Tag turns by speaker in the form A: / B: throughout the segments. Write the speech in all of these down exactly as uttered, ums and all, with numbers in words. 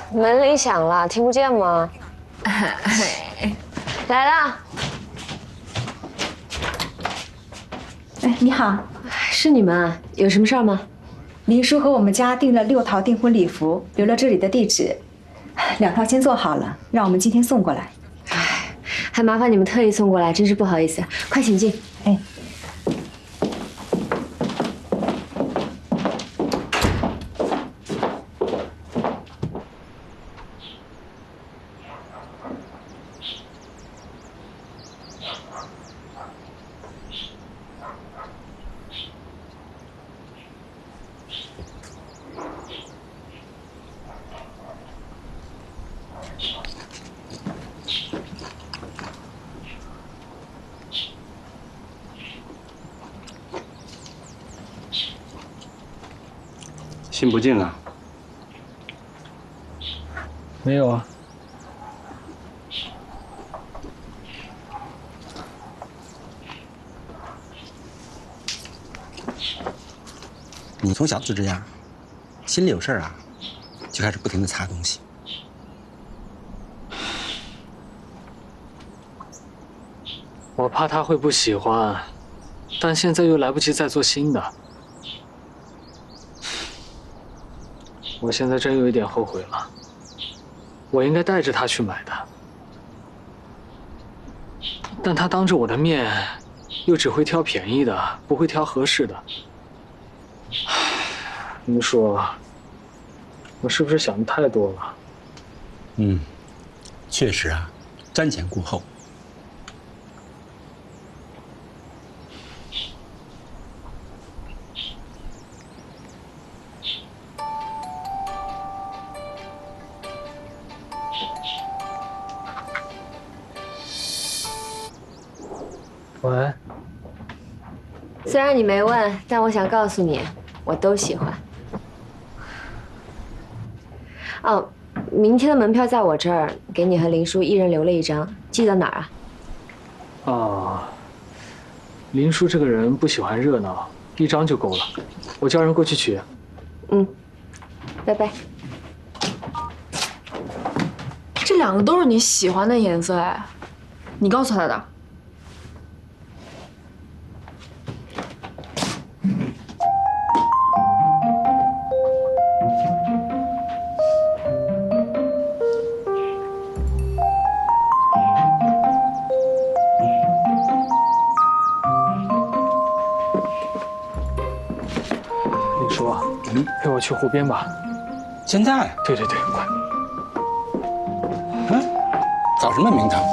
A: 门铃响了，听不见吗？来了。
B: 哎，你好，
A: 是你们啊？有什么事儿吗？
B: 林叔和我们家订了六套订婚礼服，留了这里的地址，两套先做好了，让我们今天送过来。
A: 哎，还麻烦你们特意送过来，真是不好意思。快请进。
B: 哎。
C: 信不进了？
D: 没有啊。
C: 你从小就这样，心里有事儿啊，就开始不停的擦东西。
D: 我怕他会不喜欢，但现在又来不及再做新的。我现在真有一点后悔了，我应该带着他去买的，但他当着我的面，又只会挑便宜的，不会挑合适的。你说，我是不是想的太多了？
C: 嗯，确实啊，瞻前顾后。
D: 喂，
A: 虽然你没问，但我想告诉你，我都喜欢。哦，明天的门票在我这儿，给你和林叔一人留了一张，寄到哪儿啊？
D: 啊，林叔这个人不喜欢热闹，一张就够了，我叫人过去取。
A: 嗯，拜拜。
E: 这两个都是你喜欢的颜色哎，你告诉他的。
D: 林叔，嗯，陪我去湖边吧。
C: 现在？
D: 对对对，快。
C: 嗯，找什么名堂？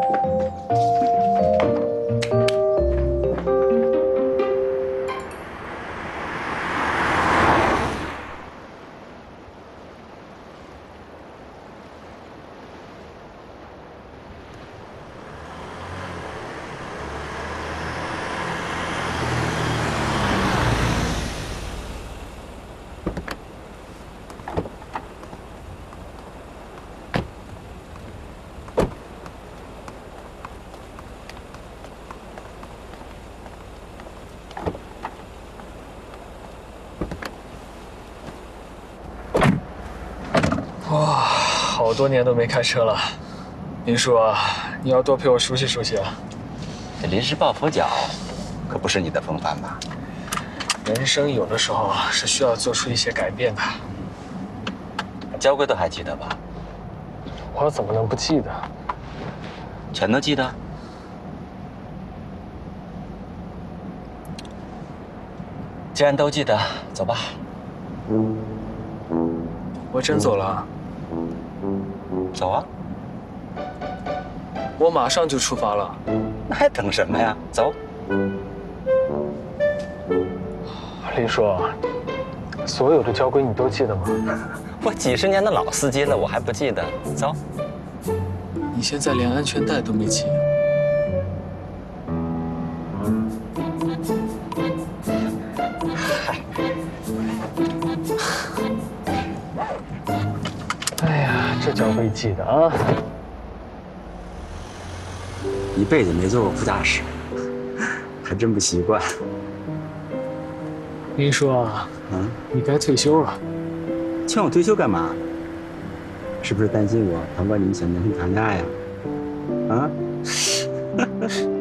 D: 哇，好多年都没开车了，林叔啊，你要多陪我熟悉熟悉啊。
C: 这临时抱佛脚，可不是你的风范吧？
D: 人生有的时候是需要做出一些改变的。
C: 交规都还记得吧？
D: 我怎么能不记得？
C: 全都记得。既然都记得，走吧。
D: 我真走了。
C: 走啊！
D: 我马上就出发了。
C: 那还等什么呀？走。
D: 林叔，所有的交规你都记得吗？
C: 我几十年的老司机了，我还不记得？走。
D: 你现在连安全带都没系。
C: 嗨。
D: 哎呀，这交规记得啊！
C: 一辈子没坐过副驾驶，还真不习惯。
D: 林叔啊，嗯，你该退休了。
C: 劝我退休干嘛？ 是不是担心我旁观你们小年轻谈恋爱呀？啊？